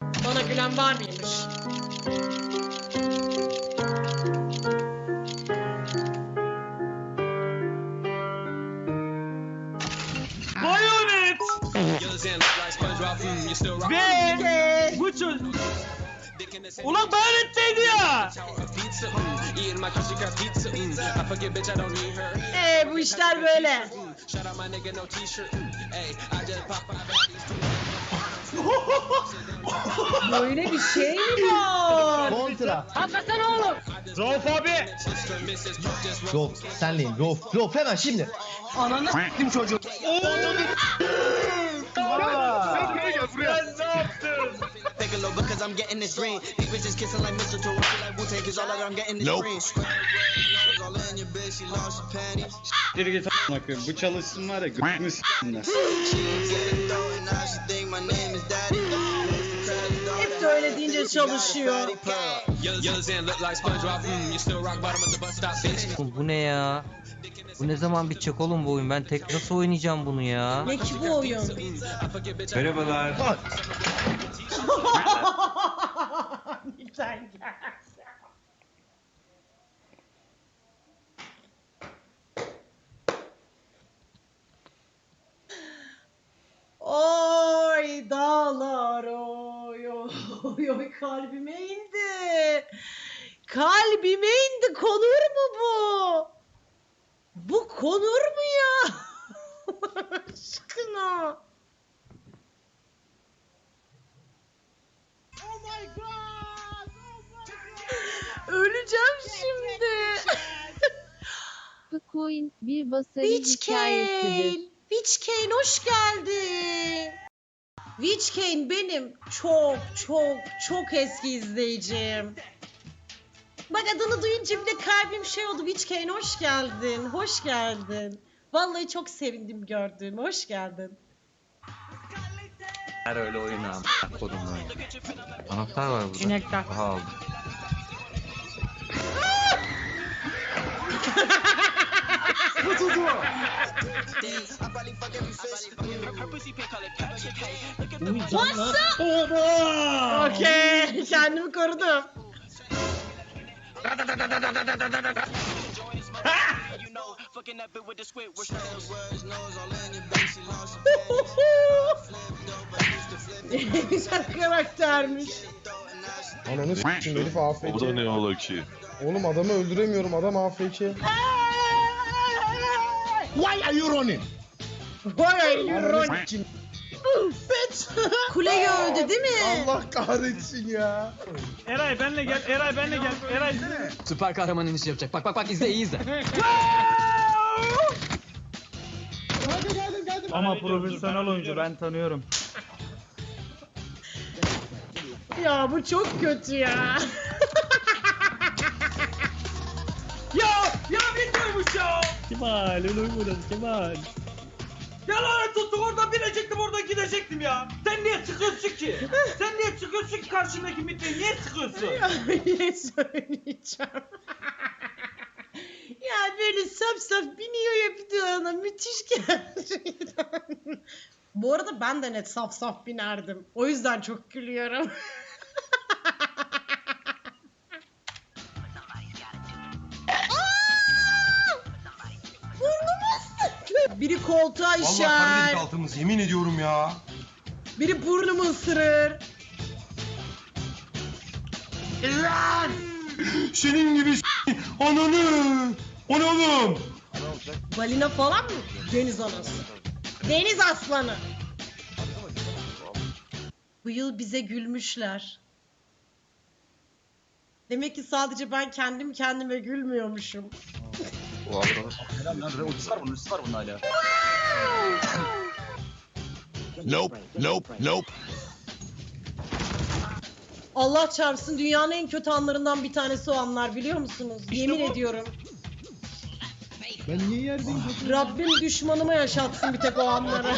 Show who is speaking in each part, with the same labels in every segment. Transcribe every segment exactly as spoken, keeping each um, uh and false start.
Speaker 1: Bana gülen var mıymış?
Speaker 2: Bayonet! Ve bu çocuk... Ulan bayonetteydi ya!
Speaker 1: Eee bu işler böyle. Böyle bir şey mi var?
Speaker 3: Kontra.
Speaker 1: Hakikaten oğlum.
Speaker 2: Rauf abi!
Speaker 3: Rauf, senleyim. Rauf, Rauf hemen şimdi.
Speaker 1: Ananı s**tim çocuğu.
Speaker 2: Aa! Sen ne yaptın?
Speaker 4: Geri git a**ına koyayım. Bu çalışsın var ya g***ünü s**tinler.
Speaker 1: Hep de öyle deyince çalışıyor.
Speaker 5: Bu ne ya? Bu ne zaman bitecek oğlum bu oyun? Ben tek nasıl oynayacağım bunu ya?
Speaker 1: Ne ki bu oyun?
Speaker 4: Merhabalar.
Speaker 1: Lütfen gel. Oy dağlar oy oy oy kalbime indi. Kalbime indi. Konur mu bu? Bu konur mu ya? Allah aşkına. Oh my god. Oh my god. Öleceğim şimdi.
Speaker 6: Bitcoin bir basarı hikayesidir.
Speaker 1: Witch Witch Kane hoş geldin. Witch Kane benim çok çok çok eski izleyicim. Bak adını duyunca bile kalbim şey oldu. Witch Kane hoş geldin. Hoş geldin. Vallahi çok sevindim gördüğüme. Hoş geldin.
Speaker 5: Her öyle oyun abi. Kodum oyun. Anahtar var burada.
Speaker 1: Cünekler.
Speaker 5: Aha aldım.
Speaker 1: Okey. Kendimi korudum. Güzel karaktermiş.
Speaker 7: Ananı s**tim herif A F K.
Speaker 8: O da ne ola ki?
Speaker 7: Oğlum adamı öldüremiyorum, adam A F K.
Speaker 3: Why are you running?
Speaker 1: Vay ay
Speaker 7: Ananı
Speaker 1: iron.
Speaker 7: s**tim.
Speaker 1: Kuleyi öldü değil mi?
Speaker 7: Allah kahretsin ya.
Speaker 2: Eray benle gel, Eray benle gel. Eray
Speaker 9: Süper kahraman inişi yapacak. Bak bak bak izle iyi izle.
Speaker 2: ama profesyonel oyuncu ben tanıyorum.
Speaker 1: Ya bu çok kötü ya.
Speaker 2: Ya ya videoymuş ya.
Speaker 4: Kemal öyle oynadı Kemal.
Speaker 2: Ya lanet olsun oradan binecektim oradan gidecektim ya. Sen niye çıkıyorsun ki? Sen niye çıkıyorsun ki karşındaki mitreyi niye çıkıyorsun?
Speaker 1: Ya yine söyleyeceğim. Ya böyle saf saf biniyor ya bir de ona müthiş gerçekten. Bu arada ben de net saf saf binerdim. O yüzden çok gülüyorum. Biri koltuğa işer.
Speaker 7: altımız yemin ediyorum ya.
Speaker 1: Biri burnumu ısırır.
Speaker 7: Lan! Senin gibi s*** ananı. O ne oğlum?
Speaker 1: Balina falan mı? Deniz anası. Deniz aslanı. Bu yıl bize gülmüşler. Demek ki sadece ben kendim kendime gülmüyormuşum.
Speaker 8: Nope, nope, nope.
Speaker 1: Allah çarpsın dünyanın en kötü anlarından bir tanesi o anlar biliyor musunuz? Yemin ediyorum.
Speaker 7: Ben niye yerdeyim?
Speaker 1: Rabbim düşmanıma yaşatsın bir tek o anları.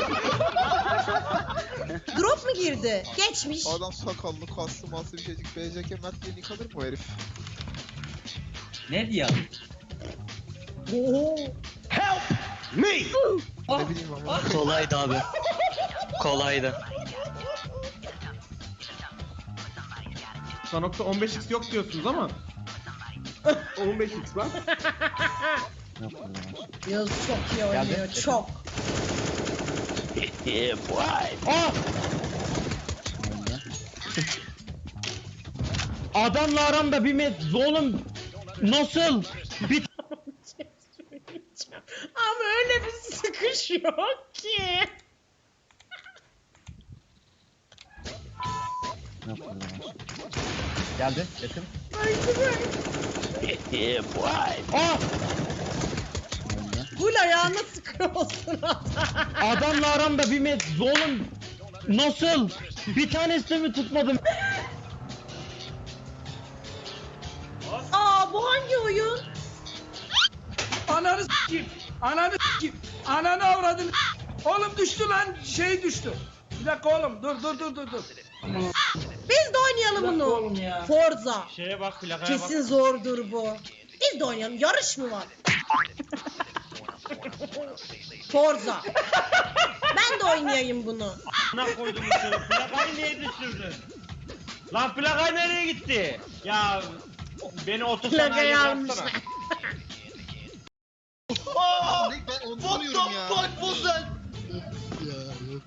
Speaker 1: Drop mu girdi? Geçmiş.
Speaker 10: Adam sakallı, kaslı, maslı bir şeycik, B C K Mert diye nick alır mı o herif?
Speaker 9: Ne diyor?
Speaker 1: Oo.
Speaker 10: Ne bileyim ama.
Speaker 9: Kolaydı abi. Kolaydı.
Speaker 2: Sanok'ta on beş x yok diyorsunuz ama. on beş x var.
Speaker 1: Yağız çok iyi oynuyor,
Speaker 5: Geldi.
Speaker 1: çok.
Speaker 3: Aa! Adamla aramda bir met oğlum nasıl? Bir
Speaker 1: Ama öyle bir sıkış yok ki.
Speaker 3: geldi yakın.
Speaker 1: Aa! Gul ayağına sıkıyorsun adam.
Speaker 3: Adamla aramda bir met oğlum nasıl? Bir tanesini mi tutmadım?
Speaker 1: Aa, bu hangi oyun?
Speaker 2: Ananı s**eyim. Ananı s**eyim. Ananı avradın. Oğlum düştü lan. Şey düştü. Bir dakika oğlum. Dur dur dur dur dur.
Speaker 1: Biz de oynayalım bunu.
Speaker 2: Oğlum ya.
Speaker 1: Forza.
Speaker 2: Şeye bak plakaya
Speaker 1: Kesin zordur bu. Biz de oynayalım. Yarış mı var? Forza. Ben de oynayayım bunu.
Speaker 2: Ne koydum içeri? Plakayı niye düşürdün? Lan plaka nereye gitti? Ya beni otosanayiye
Speaker 1: Plakayı almışlar.
Speaker 2: bıraksana.
Speaker 10: Ne, ben onu buluyorum ya. What the fuck was that? Ya yok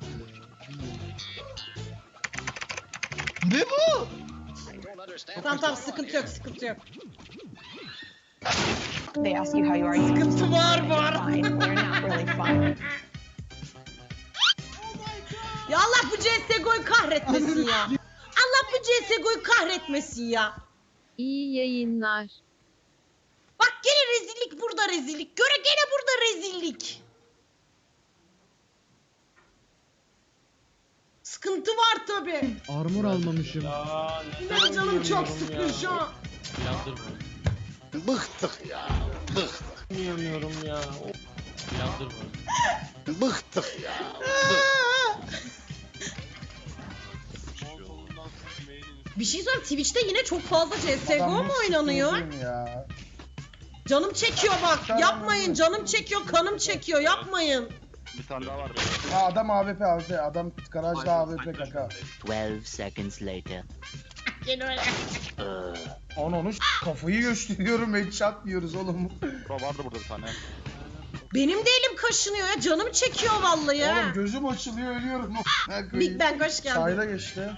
Speaker 10: ya.
Speaker 3: Ne bu?
Speaker 1: Tamam tamam, sıkıntı yok, sıkıntı yok.
Speaker 11: They ask you how you are. You
Speaker 1: Sıkıntı var var.
Speaker 11: fine. You're not really fine.
Speaker 1: Ya Allah bu C S G O'yu kahretmesin ya. Allah bu C S G O'yu kahretmesin ya.
Speaker 6: İyi yayınlar.
Speaker 1: Bak gene rezillik, burada rezillik. Göre gene burada rezillik. Sıkıntı var tabi.
Speaker 7: Armor almamışım.
Speaker 2: Ya
Speaker 1: Benim canım çok sıkın şu an.
Speaker 8: Bıktık ya. Bıktık.
Speaker 2: Oynayamıyorum ya.
Speaker 8: Bıktık ya.
Speaker 1: Bir şey söyleyeyim, Twitch'te yine çok fazla C S G O mu oynanıyor?
Speaker 7: Ya.
Speaker 1: Canım çekiyor bak. Yapmayın, canım çekiyor, kanım çekiyor. Yapmayın.
Speaker 8: Bir tane daha var.
Speaker 7: Aa, adam A W P A W P. Adam garajda A W P kaka.
Speaker 9: twelve seconds later.
Speaker 1: Gene öyle.
Speaker 7: Onu kafayı gösteriyorum. Headshot diyoruz oğlum.
Speaker 8: Bura vardı burada bir tane.
Speaker 1: Benim de elim kaşınıyor ya. Canım çekiyor vallahi ya.
Speaker 7: Oğlum gözüm açılıyor ölüyorum.
Speaker 1: Big Bang hoş geldin.
Speaker 7: Sayda geçti.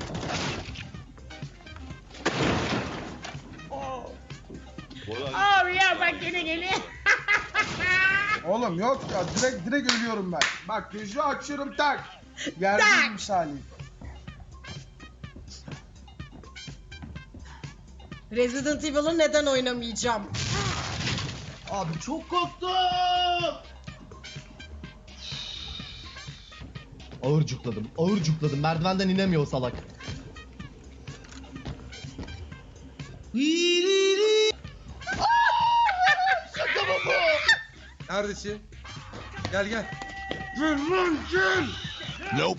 Speaker 1: Oh ya bak gene geliyor.
Speaker 7: Oğlum yok ya direkt direkt ölüyorum ben. Bak gözü açıyorum tak. Yerde
Speaker 1: Tak.
Speaker 7: misali.
Speaker 1: Resident Evil'ı neden oynamayacağım?
Speaker 3: Abi çok korktum. Ağır cukladım, ağır cukladım. Merdivenden inemiyor o salak.
Speaker 7: Neredesin? Gel gel.
Speaker 8: Nope.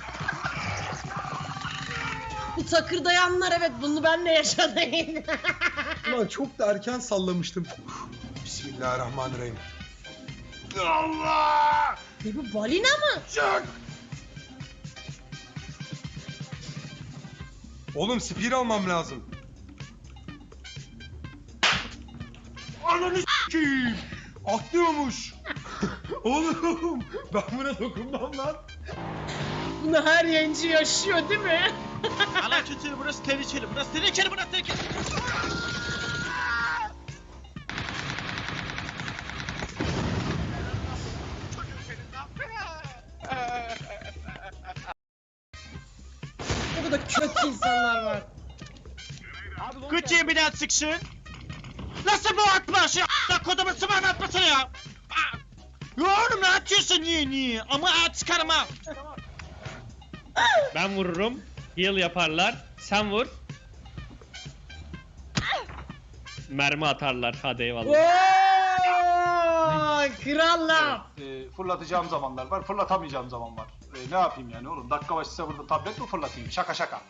Speaker 1: Bu takırdayanlar, evet, bunu ben de yaşadım.
Speaker 7: Ulan çok da erken sallamıştım. Bismillahirrahmanirrahim. Allah!
Speaker 1: Ne bu, balina mı?
Speaker 7: Çık! Oğlum spear almam lazım. Ananı s**eyim! Atlıyormuş. Oğlum ben buna dokunmam lan.
Speaker 1: Bunu her yayıncı yaşıyor değil mi?
Speaker 2: Ana kötü, burası tehlikeli, burası tehlikeli, burası tehlikeli.
Speaker 1: Burada kötü insanlar var.
Speaker 2: Küçüğün bir daha çıksın. Nasıl bu atma şey a**la kodumun sıvağını atmasana ya. Aa! Ya oğlum ne atıyorsun niye niye? Ama at çıkarım ha.
Speaker 12: Ben vururum. Heal yaparlar. Sen vur. Mermi atarlar. Hadi eyvallah.
Speaker 1: Ooo, krallar.
Speaker 13: E, fırlatacağım zamanlar var, fırlatamayacağım zaman var. E, ne yapayım yani oğlum? Dakika başı size burada tablet mi fırlatayım? Şaka şaka.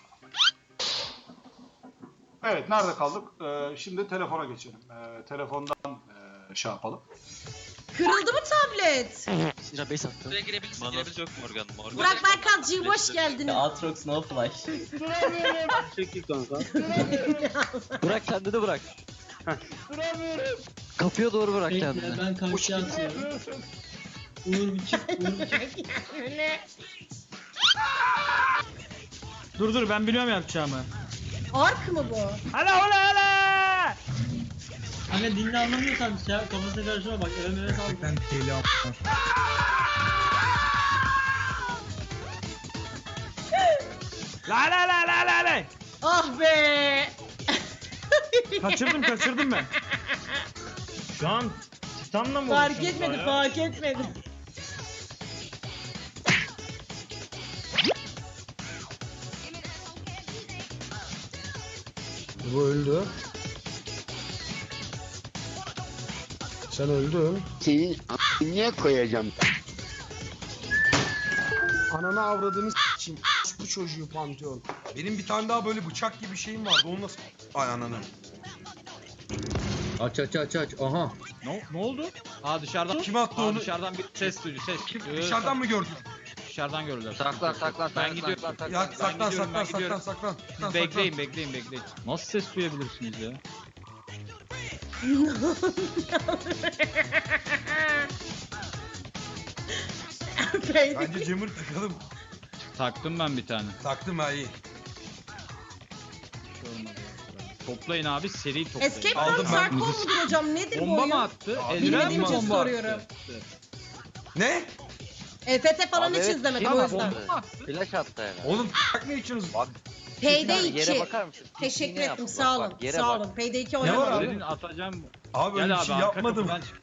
Speaker 13: Evet, nerede kaldık? E, şimdi telefona geçelim. E, telefondan e, şey yapalım.
Speaker 1: Kırıldı mı tablet?
Speaker 9: Sıra beş attım.
Speaker 8: Buraya girebilirsin. Manası yok Morgan. Morgan.
Speaker 1: Burak Berkancığım hoş geldin.
Speaker 9: Aatrox no flash.
Speaker 3: Çekil kanka.
Speaker 9: Bırak kendini bırak. Kapıya doğru bırak kendini.
Speaker 3: Ben karşıya atıyorum. Uğur bir çık. Uğur bir çık.
Speaker 2: Dur dur ben biliyorum yapacağımı.
Speaker 1: Ark mı bu?
Speaker 2: Hala hala hala.
Speaker 3: Kanka dinle anlamıyorsan şey yap, kafasına karışma bak. Eve meve sal. Ben
Speaker 2: La la la la la la.
Speaker 1: Ah be.
Speaker 2: Kaçırdım kaçırdım ben.
Speaker 3: Şu an Titan'la mı
Speaker 1: Fark
Speaker 3: uğraşıyorsun
Speaker 1: etmedi
Speaker 3: ya?
Speaker 1: fark etmedi.
Speaker 7: Bu öldü. Sen öldün.
Speaker 9: Senin niye koyacağım?
Speaker 7: Ananı avradını s***im. Bu çocuğu Pantheon.
Speaker 10: Benim bir tane daha böyle bıçak gibi şeyim vardı. Onu nasıl... Ay ananı.
Speaker 3: Aç aç aç aç. Aha.
Speaker 2: Ne, ne oldu? Aa dışarıdan.
Speaker 10: Kim attı onu?
Speaker 2: Dışarıdan bir ses duydu ses.
Speaker 10: Dışarıdan mı gördün?
Speaker 2: Dışarıdan gördüler.
Speaker 5: Saklan saklan
Speaker 2: Ben gidiyorum.
Speaker 10: Ya saklan
Speaker 2: gidiyorum, ben
Speaker 10: saklan saklan
Speaker 2: gidiyorum.
Speaker 10: saklan. saklan,
Speaker 2: Bekleyin bekleyin bekleyin. Nasıl ses duyabilirsiniz ya?
Speaker 10: saklan. Bence Cemur takalım.
Speaker 2: Taktım ben bir tane.
Speaker 10: Taktım ha iyi.
Speaker 2: Toplayın abi seri toplayın.
Speaker 1: Escape
Speaker 10: Aldım
Speaker 1: from
Speaker 10: ben.
Speaker 1: Tarkov mudur hocam? Nedir bu
Speaker 2: Bomba
Speaker 1: oyun?
Speaker 2: mı attı?
Speaker 10: Abi,
Speaker 2: Eldiven
Speaker 1: bilmediğim
Speaker 2: mi
Speaker 1: için
Speaker 2: bomba
Speaker 1: soruyorum.
Speaker 2: attı?
Speaker 10: Ne?
Speaker 1: E F T falan hiç izlemedim o yüzden.
Speaker 9: Flash attı herhalde.
Speaker 10: Oğlum tak ne içiyorsunuz?
Speaker 9: Bak.
Speaker 1: Payday
Speaker 9: Yere
Speaker 1: iki.
Speaker 9: bakar mısın?
Speaker 1: Teşekkür
Speaker 9: Yine
Speaker 1: ettim
Speaker 9: yaptı,
Speaker 1: sağ
Speaker 9: bak,
Speaker 1: olun.
Speaker 9: bak, yere
Speaker 1: Sağ
Speaker 9: bak.
Speaker 1: olun. Payday iki
Speaker 10: Ne var
Speaker 1: oynamadım.
Speaker 10: abi?
Speaker 2: Senin atacağım.
Speaker 10: Abi öyle
Speaker 2: Gel
Speaker 10: bir
Speaker 2: abi
Speaker 10: şey
Speaker 2: arka
Speaker 10: yapmadım.
Speaker 2: kapıdan çık.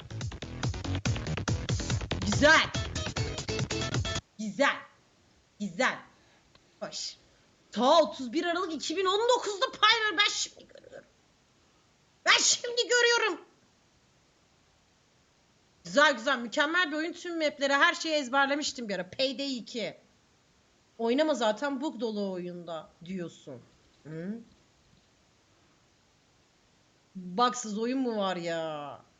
Speaker 1: Güzel. Güzel. Güzel. Hoş. Ta otuz bir Aralık iki bin on dokuz'da Pyro ben şimdi görüyorum. Ben şimdi görüyorum. Güzel güzel mükemmel bir oyun, tüm mapleri her şeyi ezberlemiştim bir ara. Payday iki. Oynama zaten bug dolu oyunda diyorsun. Hı? Bugsız oyun mu var ya?